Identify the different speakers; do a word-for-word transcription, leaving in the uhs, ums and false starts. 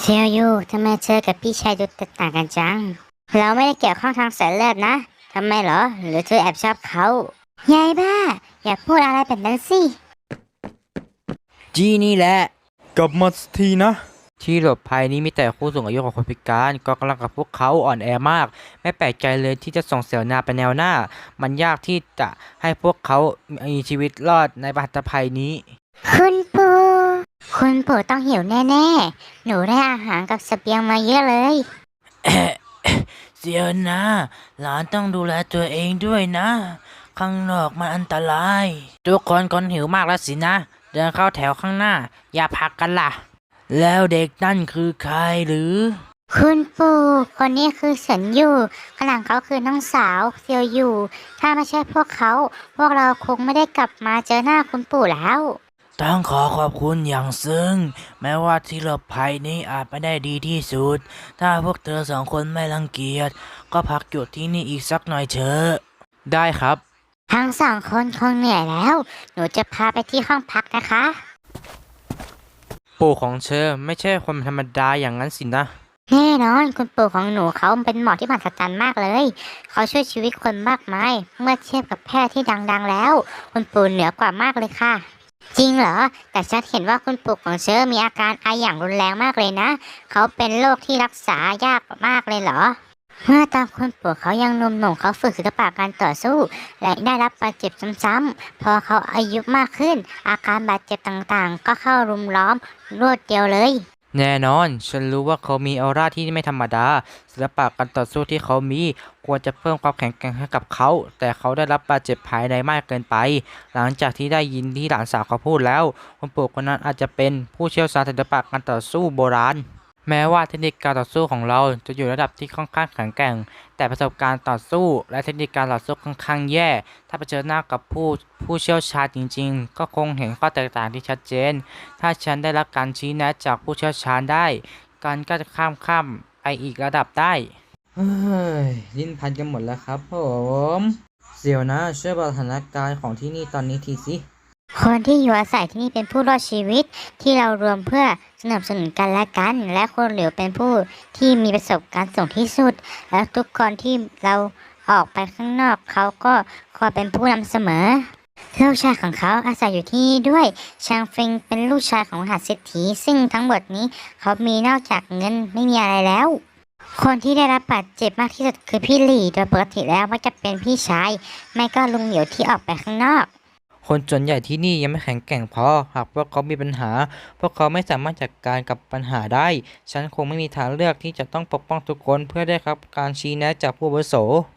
Speaker 1: เทียวยูทำไมเธอกับพี่ชายดูแตกต่างกันจังเราไม่ได้เกี่ยวข้องทางสายเลือดนะทำไมเหรอหรือเธอแอบชอบเขายายบ้าอย่าพูดอะไรแบบนั้นสิ
Speaker 2: จีนี่แหละ
Speaker 3: กลับมาสักทีนะ
Speaker 2: ที่หลบภัยนี้มีแต่ผู้สูงอายุกับคนพิการก็กำลังกับพวกเขาอ่อนแอมากไม่แปลกใจเลยที่จะส่งเสนาไปแนวหน้ามันยากที่จะให้พวกเขามีชีวิตรอดในปัตภัยนี้
Speaker 1: คุณปู่คุณปู่ต้องหิวแน่ๆหนูได้อาหารกับเสบียงมาเยอะเลย
Speaker 2: เสียนะหลานต้องดูแลตัวเองด้วยนะ ข้างนอกมันอันตราย ทุกคนคนหิวมากแล้วสินะ เดินเข้าแถวข้างหน้า อย่าพักกันล่ะ แล้วเด็กนั่นคือใครหรือ
Speaker 1: คุณปู่คนนี้คือเฉินอยู่ข้างหลังเขาคือน้องสาวเซียวอยู่ถ้าไม่ใช่พวกเขา พวกเราคงไม่ได้กลับมาเจอหน้าคุณปู่แล้ว
Speaker 2: ต้องขอขอบคุณอย่างซึ้งแม้ว่าที่หลบภัยนี้อาจไม่ได้ดีที่สุด ถ้าพวกเธอสองคนไม่รังเกียจก็พักอยู่ที่นี่อีกสักหน่อยเถอะได้ครับ
Speaker 1: ทั้งสองคนคงเหนื่อยแล้ว หนูจะพาไปที่ห้องพักนะคะ
Speaker 2: ปู่ของเธอไม่ใช่คนธรรมดาอย่างนั้นสินะ
Speaker 1: แน่นอนคุณปู่ของหนูเขาเป็นหมอที่มหัศจรรย์มากเลย เขาช่วยชีวิตคนมากมาย เมื่อเทียบกับแพทย์ที่ดังๆแล้ว คุณปู่เหนือกว่ามากเลยค่ะ จริงเหรอ แต่ฉันเห็นว่าคุณปู่ของเชอมีอาการไออย่างรุนแรงมากเลยนะ เขาเป็นโรคที่รักษายากมากเลยเหรอ เมื่อตอนคุณปู่เขายังหนุ่มๆเขาฝึกศิลปะการต่อสู้ และได้รับบาดเจ็บซ้ำๆพอเขาอายุมากขึ้น อาการบาดเจ็บต่างๆ ก็เข้ารุมล้อมรวดเดียวเลย
Speaker 2: แน่นอน ฉันรู้ว่าเขามีออร่าที่ไม่ธรรมดา ศิลปะการต่อสู้ที่เขามีควรจะเพิ่มความแข็งแกร่งให้กับเขา แต่เขาได้รับบาดเจ็บภายในมากเกินไป หลังจากที่ได้ยินที่หลานสาวเขาพูดแล้วคุณปู่คนนั้นอาจจะเป็นผู้เชี่ยวชาญศิลปะการต่อสู้โบราณ แม้ว่าเทคนิคการต่อสู้ของเราจะอยู่ระดับที่ค่อนข้างแข็งแกร่ง แต่ประสบการณ์ต่อสู้และเทคนิคการต่อสู้ค่อนข้างแย่ ถ้าไปเจอหน้ากับผู้ผู้เชี่ยวชาญจริงๆ ก็คงเห็นข้อแตกต่างที่ชัดเจน ถ้าฉันได้รับการชี้แนะจากผู้เชี่ยวชาญได้ การก็จะข้ามข้ามไปอีกระดับได้ เฮ้ยลิ้นพันกันหมดแล้วครับผมเสี่ยวนะช่วยบอกสถานการณ์ของที่นี่ตอนนี้ทีสิ
Speaker 1: คนที่อยู่อาศัยที่นี่เป็นผู้รอดชีวิตที่เรารวมเพื่อสนับสนุนกันและกัน และคนเหลียวเป็นผู้ที่มีประสบการณ์สูงที่สุด และทุกคนที่เราออกไปข้างนอกเขาก็คอยเป็นผู้นำเสมอลูกชายของเขาอาศัยอยู่ที่นี่ด้วยชางฟิงเป็นลูกชายของมหาเศรษฐีซึ่งทั้งหมดนี้เขามีนอกจากเงินไม่มีอะไรแล้ว คนที่ได้รับบาดเจ็บมากที่สุดคือพี่หลี่โดยปกติแล้วมักจะเป็นพี่ชายไม่ก็ลุงเหลียวที่ออกไปข้างนอก
Speaker 2: คนส่วนใหญ่ที่นี่ยังไม่แข็งแกร่งพอ หากพวกเขามีปัญหา พวกเขาไม่สามารถจัดการกับปัญหาได้ ฉันคงไม่มีทางเลือกที่จะต้องปกป้องทุกคนเพื่อได้รับการชี้แนะจากผู้อาวุโส